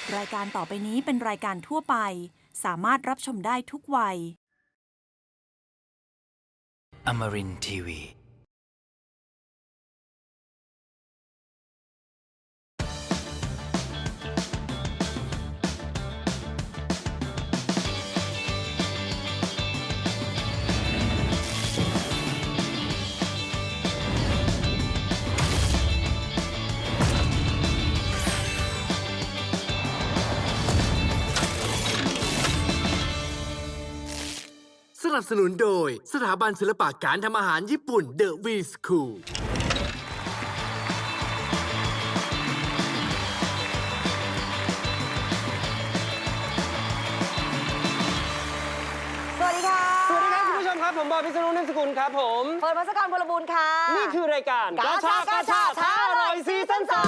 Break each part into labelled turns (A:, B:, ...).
A: รายการต่อไปนี้เป็นรายการทั่วไปสามารถรับชมได้ทุกวัย
B: Amarin Tiwi.
C: สนับสนุนโดยสถาบันศิลปะการทำอาหารญี่ปุ่น The V School
D: สวัสดีค่ะ
E: สวัสดีครับคุณผู้ชมครับผมบอยพิษณุนิ่มสกุลครับผม
D: เฟิร์นพัสกรพลบูรณ์ค่ะ
E: นี่คือรายการ
D: กาชาท้าอร่อยซีซั่น2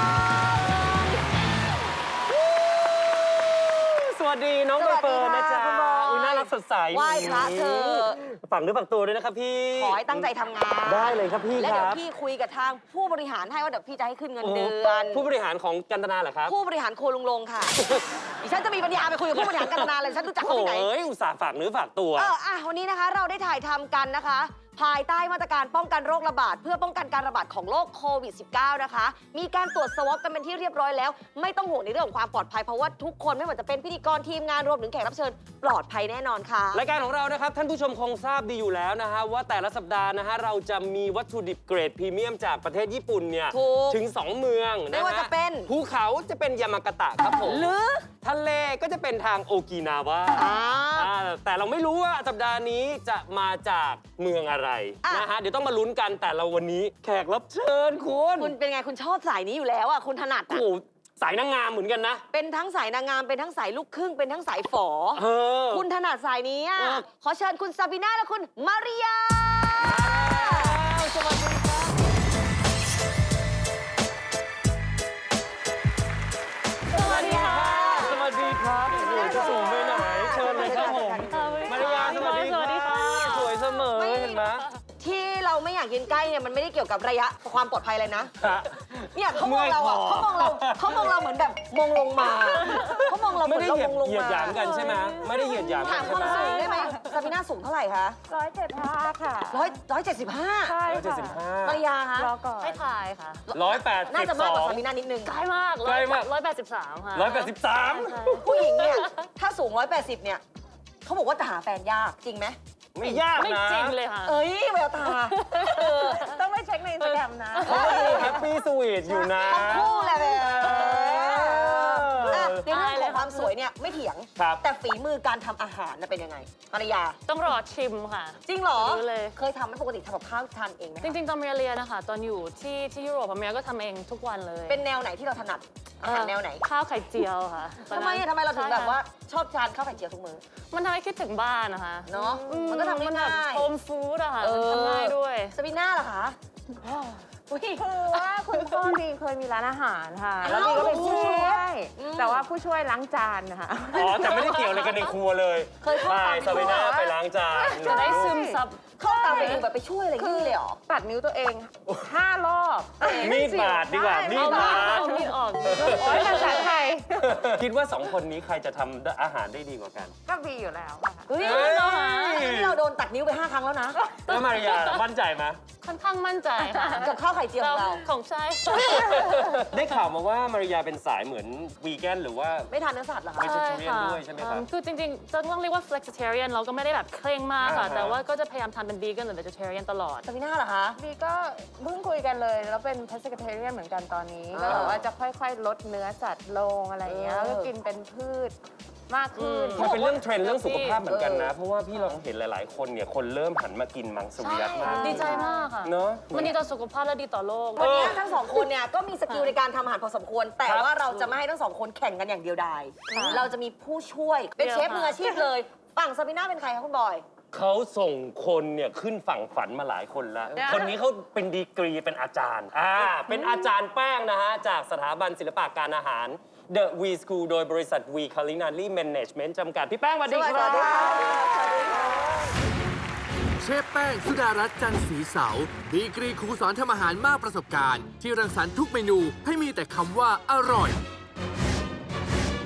E: สวัสดีน้องใบเฟิร์นนะจ๊ะ
D: คุณบอย
E: อุ๊ยน่ารักสดใส
D: ไหว้พระเธอ
E: ฝังเนื้อฝังตัวด้วยนะครับพี่
D: ขอให้ตั้งใจทำงาน
E: ได้เลยครับพี่
D: และ
E: ค
D: เดี๋ยว
E: รับ
D: พี่คุยกับทางผู้บริหารให้ว่าเดี๋ยวพี่จะให้ขึ้นเงินเดือน
E: ผู้บริหารของกันตนาเหรอครับ
D: ผู้บริหารโคลุงลงค่ะ ดิฉันจะมีปัญญาไปคุยกับผู้บริหารกันนานเลยฉันรู้จักเขา
E: โอ้
D: ที่ไหน
E: ยอุตส่าห์ฝากเนื้อฝากตัว
D: วันนี้นะคะเราได้ถ่ายทำกันนะคะ ภายใต้มาตรการป้องกันโรคระบาดเพื่อป้องกันการระบาดของโรคโควิด -19 นะคะ มีการตรวจสวอปกันเป็นที่เรียบร้อยแล้ว ไม่ต้องห่วงในเรื่องของความปลอดภัยเพราะว่าทุกคนไม่ว่าจะเป็นพิธีกรทีมงานรวมถึงแขกรับเชิญปลอดภัยแน่นอนค่ะ
E: รายการของเรานะครับท่านผู้ชมคงทราบดีอยู่แล้วนะฮะว่าแต่ละสัปดาห์นะฮะเราจะมีวัตถุดิบเกรดพรีเมียมจากประเทศญี่ปุ่นเนี่ย
D: ถูก
E: ถึง 2 เมืองนะฮะ
D: ไม่ว่าจะเป็น
E: ภูเขาจะเป็นยามากาตะครับผม
D: หรือ
E: ทะเลก็จะเป็นทางโอกินาวา แต่เราไม่รู้ว่าสัปดาห์นี้จะมาจากเมืองอะไรนะฮะเดี๋ยวต้องมาลุ้นกันแต่เราวันนี้แขกรับเชิญคุณ
D: คุณเป็นไงคุณชอบสายนี้อยู่แล้วอ่ะคุณถนัด
E: โอ้
D: อะ
E: โหสายนางงามเหมือนกันนะ
D: เป็นทั้งสายนางงามเป็นทั้งสายลูกครึ่งเป็นทั้งสายฝอ
E: เออ
D: คุณถนัดสายนี้อะ
E: เออ
D: ขอเชิญคุณซาบิน่าและคุณมาริยา
E: สวัสดีครับสวัสดีค่ะสวัสดีครับโอ้โหจะสูงไปไหนเชิญเลยครับผมมารยาสวัสดีค่ะสวยเสมอเห็นไหม
D: ที่เราไม่อยากยืนใกล้เนี่ยมันไม่ได้เกี่ยวกับระยะความปลอดภัยเลยนะ
E: ฮะ
D: เนี่ยเขามองเราอ่ะ
E: เมื่อยคอ
D: เขามองเราเหมือนแบบมองลงมาเขามองเราเห
E: ไม่
D: มือน
E: ได้
D: เรา
E: เหยีย
D: ม
E: ด
D: องลง
E: เหยียด
D: มา
E: หยามกันใช่ไหมไม่ได้เหยียดหยามกั
D: ถาม
E: น
D: ค
E: ใช่
D: วาม
E: ไหม
D: สูงได้ไหมซาบิน่าสูงเท่าไหร่คะ
F: 175 ค่ะ
D: 175
F: ใช่
D: มาริยาคะ
F: รอก่อน
G: ให้ทายค่ะ
E: 182
D: น่าจะมากกว่าซาบิน่านิดนึง
G: ใกล้มาก
E: ใกล้มาก
G: 183 ค่ะ
E: 183
D: ผู้หญิงเนี่ยถ้าสูง 180 เนี่ยเขาบอกว่าจะหาแฟนยากจริงไหม
E: ไม่ยาก
G: ไม่
E: นะ
G: จริงเลยค่ะ
D: เอ้ยแววตา
F: ต้องไปเช็คในอินสตาแกรมนะ
E: แฮปปี้สวีทอยู่นะ
D: ทั้งคู่แหละแบบในเรื่อง
G: ตาย
D: ข
G: เล
D: อง
G: ย
D: ความสวยเนี่ยไม่เถียง
E: ครับ
D: แต่ฝีมือการทำอาหารน่ะเป็นยังไงภรรยา
G: ต้องรอชิมค่ะ
D: จริงเหรอ
G: รู้เลย
D: เคยทำไหมปกติทำกับข้าวทานเองไหม
G: จริง ๆ ตอนเรียนนะคะ ตอนอยู่ที่ยุโรปเมียก็ทำเองทุกวันเลย
D: เป็นแนวไหนที่เราถนัดอาหารแนวไหน
G: ข้าวไข่เจียวค่ะตอน
D: ทำ
G: นั้น
D: ไมอะทำไมเราถึง
G: ใช่
D: แบบว่าชอบทานข้าวไข่เจียวทุกมื้อ
G: มันทำให้คิดถึงบ้านนะคะ
D: เนอะมันก็ทำได้ง่าย
G: โฮมฟู้ดอะค่ะมันทำง่ายด้วย
D: สปิน่าเหรอคะอุ๊ย
F: คือว่าคุณพ่อบีเคยมีร้านอาหารค่ะ
D: อ้าว
F: แล้วบีก็เป็นผู้ช่วย
D: อืม
F: แต่ว่าผู้ช่วยล้างจานนะคะ
E: อ๋อ แต่ไม่ได้เกี่ยวอะไรกันในครัวเลย
D: เคยเข้า
E: ไป
D: ตาม
E: ซาเวน่าไปล้างจาน
G: จะได้ซึมซับ
D: เข้าตามไปดูแบบไปช่วยอะไรอย่างนี้เลยเหรอ
F: ตัดนิ้วตัวเอง 5 รอบ
E: มีดบาดดีกว่า มีดบาด
G: เอามีดออก
F: โอ้ยภาษาไทย
E: คิดว่า 2 คนนี้ใครจะทำอาหารได้ดีกว่ากัน
F: ก็บีอยู่แล้วอะค่ะ
D: เฮ้ย
E: เฮ้ย
D: นี่เราโดนตัดนิ้วไป5 ครั้งแล้วนะ
E: แล้วมารยาล่ะมั่นใจไหม
G: ค่อนข้างมั่นใจค่ะ
D: กับข้าวไข่เจียวของเรา
G: ของใช่
E: ได้ข่าวมาว่ามารยาเป็นสายเหมือนวีแกนหรือว่า
D: ไม่ทานเนื้อสัตว์เหรอคะ
E: ไม่ใช่ vegetarian ด้วยใช่ไหมครับ
G: คือจริงๆ จะต้องเรียกว่า flexitarian เราก็ไม่ได้แบบเคร่งมากค่ะ
E: อ่าฮะ
G: แต่ว่าก็จะพยายามทำเป็น vegan หรือ vegetarian ตลอด
D: สปิน่าเหรอคะ
F: บีก็เพิ่งคุยกันเลย แล้วเป็น pescatarian เหมือนกันตอนนี้ ก็แบบว่าจะค่อยๆ ลดเนื้อสัตว์ลงอะไรอย่างเงี้ย แล้วก็กินเป็นพืชมากขึ้น
E: มันเป็นเรื่องเทรนด์เรื่องสุขภาพเหมือนกันนะ เพราะว่าพี่เราเห็นหลาย ๆ คนเนี่ย คนเริ่มหันมากินมังสวิรัตมาก
G: ดีใจมากค่ะ
E: เนอะ
G: มันดีต่อสุขภาพและดีต่อโลก
D: วันนี้ทั้งสองคนเนี่ยก็มีสกิลในการทำอาหารพอสมควร แต่ว่าเราจะไม่ให้ทั้งสองคนแข่งกันอย่างเดียวดายเราจะมีผู้ช่วย เป็นเชฟมืออาชีพเลย ฝั่งสปิน่าเป็นใครคะคุณบอย
E: เขาส่งคนเนี่ยขึ้นฝั่งฝันมาหลายคนแล้ว คนนี้เขาเป็นดีกรีเป็นอาจารย์ เป็นอาจารย์แป้งนะฮะ จากสถาบันศิลปะการอาหาร The V School โดยบริษัท V Culinary Management จำกัด พี่แป้งสวัสดีค
D: สวั
E: รั
D: สดีครับ
C: เชฟแป้งสุดารัตน์จันทร์ศรีเสาดีกรีครูสอนทำอาหารมากประสบการณ์ ที่รังสรรค์ทุกเมนูให้มีแต่คำว่าอร่อย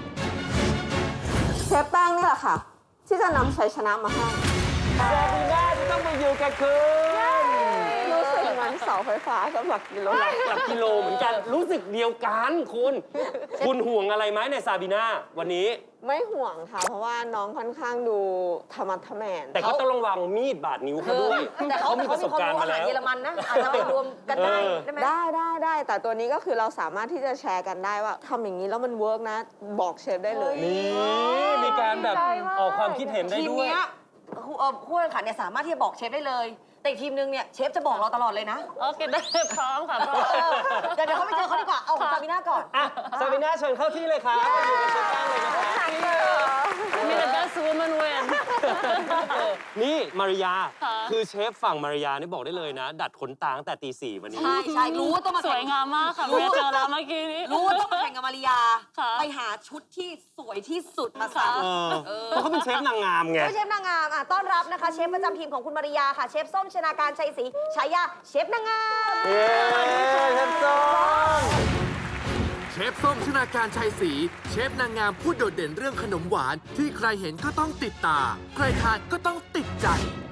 F: ค่ะ ที่จะนำชัยชนะมาให้
E: ซาบีน่าจะต้องมาอยู่กับคุณ
F: รู้สึกเหมือนเสาไฟฟ้ากับหลักกิโล
E: หลักกิโลเหมือนกัน รู้สึกเดียวกันคุณห่วงอะไรไหมในซาบีน่าวันนี้
F: ไม่ห่วงค่ะ เพราะว่าน้องค่อนข้างดูธรรมะทะแมน
E: แต่ก็ต้องระวังมีดบาดนิ้วเขาด้วย
D: แต่เขา
E: มีประสบการณ์มา
D: อาหาร
E: แล้ว
D: เยอรมันนะอาจจะมารวมกันได้ได้ไหม
F: ได้แต่ตัวนี้ก็คือเราสามารถที่จะแชร์กันได้ว่าทำอย่างนี้แล้วมันเวิร์กนะ บอกเชฟได้เลย
E: นี่มีการแบบออกความคิดเห็นได้
D: ทีม
E: ด้วย
D: เนี้ยคู่แข่งขันเนี่ยสามารถที่จะบอกเชฟได้เลย แต่อีกทีมนึงเนี่ยเชฟจะบอกเราตลอดเลยนะ
G: โอเคได้พร้อมค่ะพร้อม
D: เดี๋ยวเขาไปเจอเขาดีกว่า เอาของซาบิน่าก่อน
E: อ่ะซาบีน่าเชิญเข้าที่เลยครับมาอยู่กับเชฟแป้งเลยนะครับ
G: มีแต่ best woman win
E: นี่มาริยา
G: ค่ะ
E: คือเชฟฝั่งมาริยานี่บอกได้เลยนะ ดัดขนตาตั้งแต่ตี 4วันนี้
D: ใช่รู้ว่าต้องมา
G: สวยงามมากค่ะเมียเจอแล้วเมื่อกี้นี้
D: รู้ว่าต้องมาแข่งกับมาริยา
G: ค่ะ
D: ไปหาชุดที่สวยที่สุดมาใส่
E: เพราะเขาเป็นเชฟนางงามไง
D: เชฟนางงามต้อนรับนะคะ เชฟประจำทีมของคุณมาริยาค่ะ เชฟส้มชนาการชัยศรีฉายาเชฟนางงาม
E: เย้เชฟส้ม
C: เชฟส้มชนาการชัยศรีเชฟนางงามผู้โดดเด่นเรื่องขนมหวาน ที่ใครเห็นก็ต้องติดตา ใครทานก็ต้องติดใจ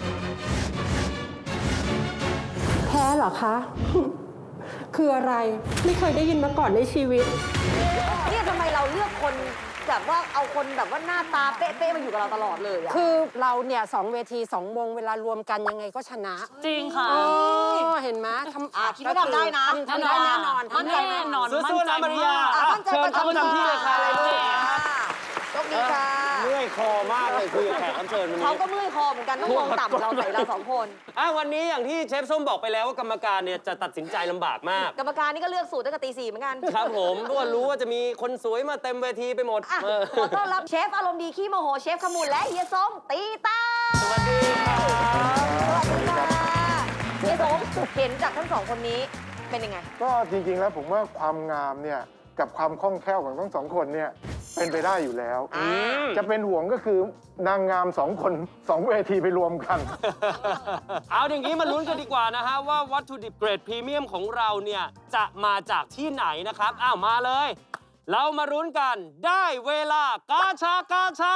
H: แพ้เหรอคะ คืออะไรไม่เคยได้ยินมาก่อนในชีวิต
D: เนี่ยทำไมเราเลือกคนแบบว่าเอาคนแบบว่าหน้าตาเป๊ะๆมาอยู่กับเราตลอดเลยอะ
H: คือเราเนี่ย2 เวที 2 วงเวลารวมกันยังไงก็ชนะ
G: จริงค่ะ
H: อ๋อเห็นไหม
D: คิดว่าทำได้นะ
H: ทำได้แน่นอน
G: มั่นใจแน่นอน
E: สู้ๆนะมาริยา
D: มั่นใจ
E: เชิญเข้าประจำที่เลยค่ะ
D: โชคดีค่ะ
E: เมื่อยคอมากเลยคุยกับแขกรับเชิญวัน
D: เขา
E: นี้
D: ก็เมื่อยคอเหมือนกันต้องมองต่ำเราใส่เราสองคน
E: วันนี้อย่างที่เชฟส้มบอกไปแล้วว่ากรรมการเนี่ยจะตัดสินใจลำบากมาก
D: กรรมการนี่ก็เลือกสูตรตั้งแต่ตี 4เหมือนกัน
E: ครับผมเพราะว่ารู้ว่าจะมีคนสวยมาเต็มเวทีไปหมด
D: อ่ะขอต้อนรับเชฟอารมณ์ดีขี้โมโหเชฟขมูลและเฮียส้มตีตา
E: สวัสดีครับ
D: สวัสดีค่ะเฮียส้มเห็นจากทั้งสองคนนี้เป็นยังไง
I: ก็จริงๆ แล้วผมว่าความงามเนี่ยกับความคล่องแคล่วของทั้งสองคนเนี่ยเป็นไปได้อยู่แล้ว จะเป็นห่วงก็คือนางงาม2 คน 2 เวทีไปรวมกัน
E: เอาอย่างนี้มาลุ้นกันดีกว่านะฮะว่าวัตถุดิบเกรดพรีเมียมของเราเนี่ยจะมาจากที่ไหนนะครับมาเลย เรามาลุ้นกันได้เวลากาชากาชา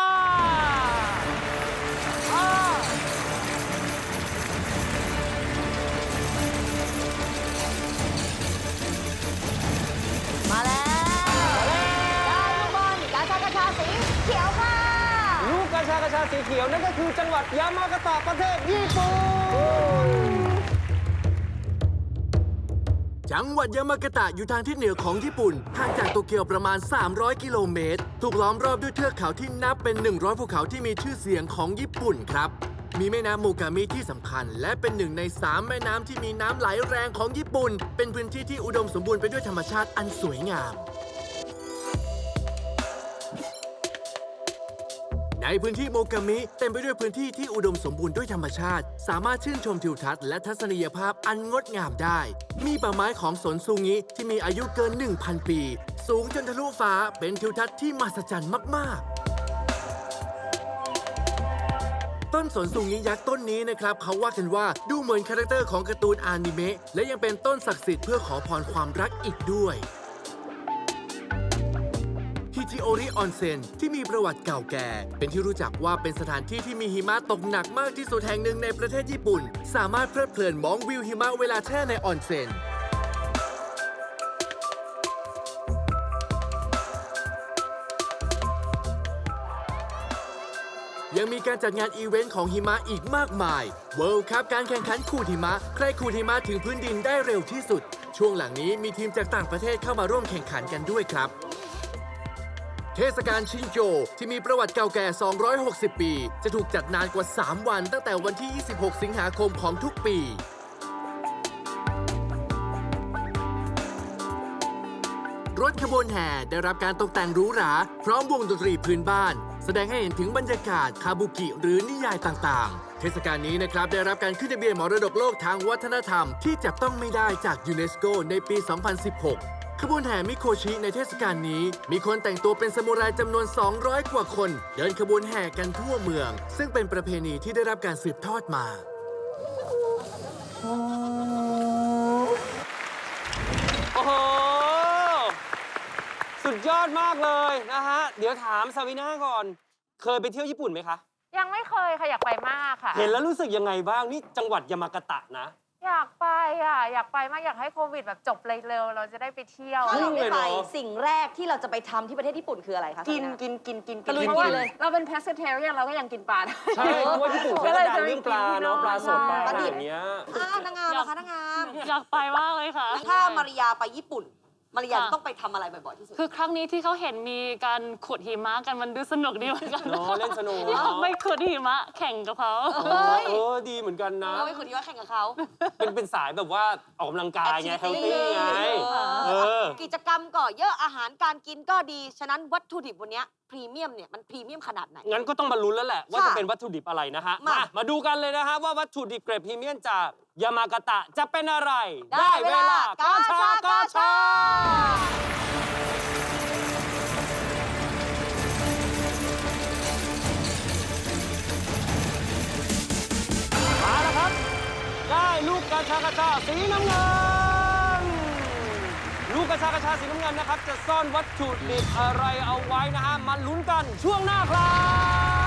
D: มาแล้วได้ลูกบอลกาชากาชาสีเขียวค่ะ
E: ลูกกาชากาชาสีเขียวนั่นก็คือจังหวัดยามากาตะประเทศญี่ปุ่น
C: จังหวัดยามากาตะอยู่ทางทิศเหนือของญี่ปุ่นห่างจากโตเกียวประมาณ 300 กิโลเมตร ถูกล้อมรอบด้วยเทือกเขาที่นับเป็น 100 ภูเขาที่มีชื่อเสียงของญี่ปุ่นครับ มีแม่น้ำโมกามิที่สำคัญ และเป็นหนึ่งใน 3 แม่น้ำที่มีน้ำไหลแรงของญี่ปุ่น เป็นพื้นที่ที่อุดมสมบูรณ์ไปด้วยธรรมชาติอันสวยงาม ในพื้นที่โมกามิเต็มไปด้วยพื้นที่ที่อุดมสมบูรณ์ด้วยธรรมชาติ สามารถชื่นชมทิวทัศน์และทัศนียภาพอันงดงามได้ มีป่าไม้ของสนซูงิที่มีอายุเกิน 1,000 ปี สูงจนทะลุฟ้าเป็นทิวทัศน์ที่มหัศจรรย์มากๆ ต้นสนซูงิยักษ์ต้นนี้นะครับเขาว่ากันว่าดูเหมือนคาแรคเตอร์ของการ์ตูนอนิเมะและยังเป็นต้นศักดิ์สิทธิ์เพื่อขอพรความรักอีกด้วยฮิจิโอริออนเซ็นที่มีประวัติเก่าแก่ เป็นที่รู้จักว่าเป็นสถานที่ที่มีหิมะตกหนักมากที่สุดแห่งหนึ่งในประเทศญี่ปุ่น สามารถเพลิดเพลินมองวิวหิมะเวลาแช่ในออนเซ็นยังมีการจัดงานอีเวนต์ของหิมะอีกมากมาย World Cup การแข่งขันขูดหิมะใครขูดหิมะถึงพื้นดินได้เร็วที่สุด ช่วงหลังนี้มีทีมจากต่างประเทศเข้ามาร่วมแข่งขันกันด้วยครับ เทศกาลชินโจที่มีประวัติเก่าแก่ 260 ปี จะถูกจัดนานกว่า 3 วันตั้งแต่วันที่ 26 สิงหาคมของทุกปี รถขบวนแห่ได้รับการตกแต่งหรูหรา พร้อมวงดนตรีพื้นบ้าน แสดงให้เห็นถึงบรรยากาศคาบุกิหรือนิยายต่างๆ เทศกาลนี้นะครับได้รับการขึ้นทะเบียนมรดกโลกทางวัฒนธรรมที่จับต้องไม่ได้จากยูเนสโกในปี 2016 ขบวนแห่มิโคชิในเทศกาลนี้มีคนแต่งตัวเป็นซามูไรจำนวน 200 กว่าคน เดินขบวนแห่กันทั่วเมือง ซึ่งเป็นประเพณีที่ได้รับการสืบทอดมา
E: โอ้โห สุดยอดมากเลยนะฮะ เดี๋ยวถามซาวิน่าก่อนเคยไปเที่ยวญี่ปุ่นไหมคะ
F: ยังไม่เคยค่ะอยากไปมากค่ะ
E: เห็นแล้วรู้สึกยังไงบ้างนี่จังหวัดยามากาตะนะ
F: อยากไปอ่ะอยากไปมากอยากให้โควิดแบบจบเร็วๆเราจะได้ไปเที่ยว
D: ถ้าเรา
E: เล
D: ไม่
E: ย
D: ไป
E: เนอะ
D: สิ่งแรกที่เราจะไปทำที่ประเทศญี่ปุ่นคืออะไรคะ
F: กิน
D: ซารีา
F: กิน
D: ตะลุย
F: เพราะว่า
D: กินเลย
F: เราเป็น pescatarian เราก็ยังกินปลาได้
E: ใช่เพราะว่าญี่ปุ่นเขาจะดังเรื่องปลาเนาะปลาสดปลาอะไรอย่างเงี้ย
D: นางงามนะคะนางงาม
G: อยากไปมากเลยค่ะ
D: ถ้ามาริยาไปญี่ปุ่น มาริยา
G: ค่ะ
D: ต้องไปทำอะไรบ่อยๆที่สุด
G: คือครั้งนี้ที่เขาเห็นมีการขุดหิมะกันมันดูสนุกดีเหมือนกัน
E: เนอะเล่นสนุก
G: อยากไปขุดหิมะแข่งกับเขา
D: เฮ้ย
E: ดีเหมือนกันนะ
D: เราไปคุยที่ว่าแข่งกับเขา
E: เป็นสายแบบว่าออกกำลังกายไง
D: Activity
E: เฮลตี้ไง เออ
D: กิจกรรมก็เยอะอาหารการกินก็ดี ฉะนั้นวัตถุดิบวันเนี้ยพรีเมียมเนี่ยมันพรีเมียมขนาดไหน
E: งั้นก็ต้องมาลุ้นแล้วแหละ ว่า
D: ค่ะ
E: จะเป็นวัตถุดิบอะไรนะฮะ
D: มา
E: ดูกันเลยนะฮะว่าวัตถุดิบเกรดพรีเมียมจากยามากาตะจะเป็นอะไร
D: ได้เวลากาชา
E: มาแล้วครับ ได้ลูกกระชากระชาสีน้ำเงิน ลูกกระชากระชาสีน้ำเงินนะครับ จะซ่อนวัตถุดิบอะไรเอาไว้นะฮะ มาลุ้นกันช่วงหน้าครับ